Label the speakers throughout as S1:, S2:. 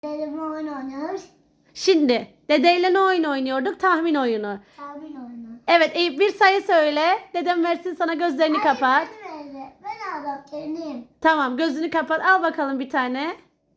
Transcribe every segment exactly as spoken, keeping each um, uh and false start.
S1: Dedemle oyun oynuyoruz.
S2: Şimdi dedeyle ne oyun oynuyorduk? Tahmin oyunu.
S1: Tahmin oyunu.
S2: Evet Eyüp bir sayı söyle. Dedem versin sana gözlerini kapat.
S1: Hayır, ben öyle. Ben adam kendim.
S2: Tamam gözünü kapat. Al bakalım bir tane.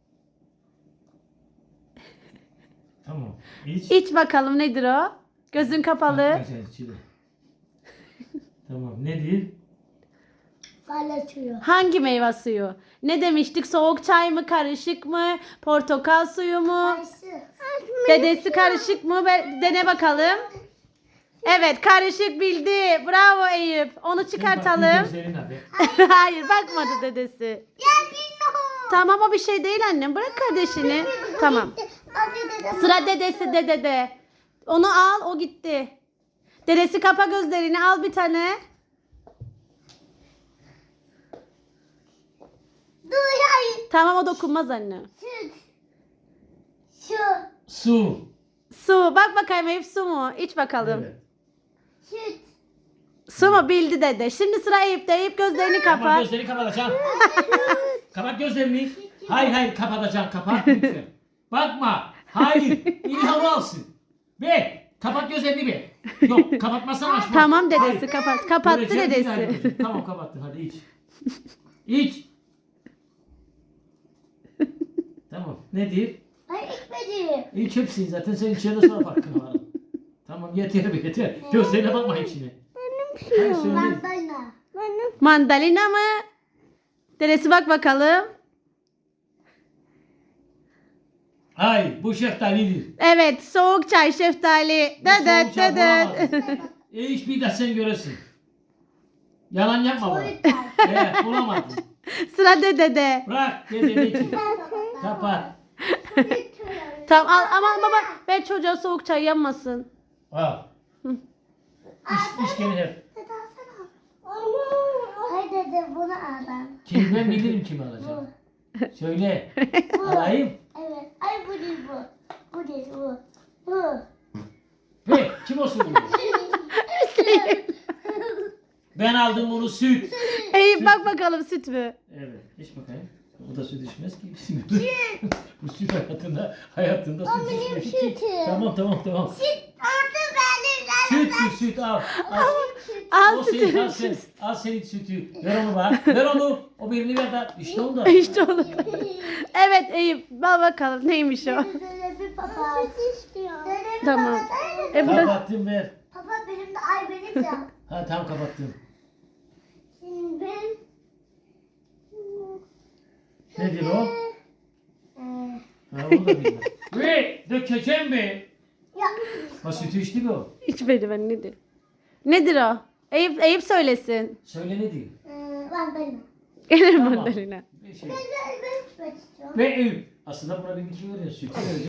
S3: Tamam. İç.
S2: İç bakalım nedir o? Gözün kapalı.
S3: Arkadaşlar içiyle. Tamam. Nedir?
S1: Kale suyu.
S2: Hangi meyve suyu? Ne demiştik? Soğuk çay mı? Karışık mı? Portakal suyu mu?
S1: Kayısı.
S2: Dedesi karışık mı? Be- Dene bakalım. Evet karışık bildi. Bravo Eyüp. Onu çıkartalım.
S3: Gözlerin abi.
S2: Hayır bakmadı dedesi.
S1: Ya bilmiyorum.
S2: Tamam o bir şey değil annem. Bırak kardeşini. Tamam.
S1: Hadi dedem.
S2: Sıra dedesi dedede. Onu al o gitti. Dedesi kapa gözlerini al bir tane.
S1: Dur hayır.
S2: Tamam o dokunmaz anne.
S1: Süt. Şu.
S3: Su.
S2: Su bak bakayım Eyüp su mu? İç bakalım.
S3: Evet.
S1: Süt.
S2: Su mu bildi dede. Şimdi sıra Eyüp'te. Eyüp gözlerini
S3: Kapat
S2: kapat.
S3: gözlerini kapatacaksın. Kapat gözlerini. Hayır hayır kapatacaksın. Kapat lütfen. Bakma. Hayır. İlhamı alsın. Be. Kapat gözlerini be. Yok kapatmazsan açma.
S2: Tamam dedesi
S3: Hayır.
S2: kapat. Kapattı
S3: Göreceğim, bir daha
S2: dedesi.
S3: göreceğim. Tamam kapattın hadi iç. İç. Tamam. Nedir?
S1: Hayır içmedi.
S3: İç hepsini zaten sen içeride sonra farkına varın. Tamam yeter be yeter. Gözlerine bakma içine. Hayır söyle.
S1: Mandalina. Benim.
S2: Mandalina mı? Dedesi bak bakalım.
S3: Hayır bu şeftalidir.
S2: Evet soğuk çay şeftali.
S3: Bu soğuk
S2: Dedet
S3: çay
S2: dedet.
S3: bulamazsın. E iç bir de sen göresin. Yalan yapma bana.
S1: Soğuk çay.
S3: Evet bulamadın.
S2: Sıra dedede.
S3: Bırak dedeni için. Kapat.
S2: Tamam al aman baba ver çocuğa soğuk çay yanmasın.
S3: Al. İç, iç gene hep.
S1: Hayır dede bunu al ben.
S3: Kim ben bilirim kimi alacağım. Söyle. Alayım.
S1: Evet. Ay bu değil bu. Bu değil bu. Bu.
S3: Ve kim olsun bu? Ben aldım bunu süt.
S2: Eyüp bak bakalım süt mü?
S3: Evet. İç bakayım. Bu da süt içmez ki. Bu süt hayatında hayatında süt
S1: benim
S3: içmez ki.
S1: sütüm.
S3: Tamam tamam tamam.
S1: Artık benim
S3: Süt süt süt al. Al.
S2: Al
S3: O senin, al
S2: sütü.
S3: sen. Al senin sütü. Ver onu bana. Ver onu. O birini ver de. İşte onu da.
S2: İşte onu. Evet Eyüp bak bakalım neymiş o.
S1: Dede bir papa. Süt istiyor. Dede bir
S2: Tamam.
S1: papa.
S2: E bu da
S3: Kapattım ver.
S1: Papa benim de ay benim ya.
S3: Ha tamam kapattım.
S1: Şimdi ben.
S3: Nedir o?
S1: Ee,
S3: Ha onu da bilmem. Ve dökeceğim be.
S1: ya.
S3: Ha sütü içti mi o?
S2: içmedi ben nedir? Nedir o? Eyüp, Eyüp söylesin.
S3: Söyle ne diyeyim?
S1: Ee, ben benim.
S2: Gelir
S3: Tamam.
S2: mandalina.
S3: Bir şey.
S1: Ben ben ben içmek istiyorum.
S3: Ve Eyüp. Aslında buna bir iki veriyor. Sütü veriyor.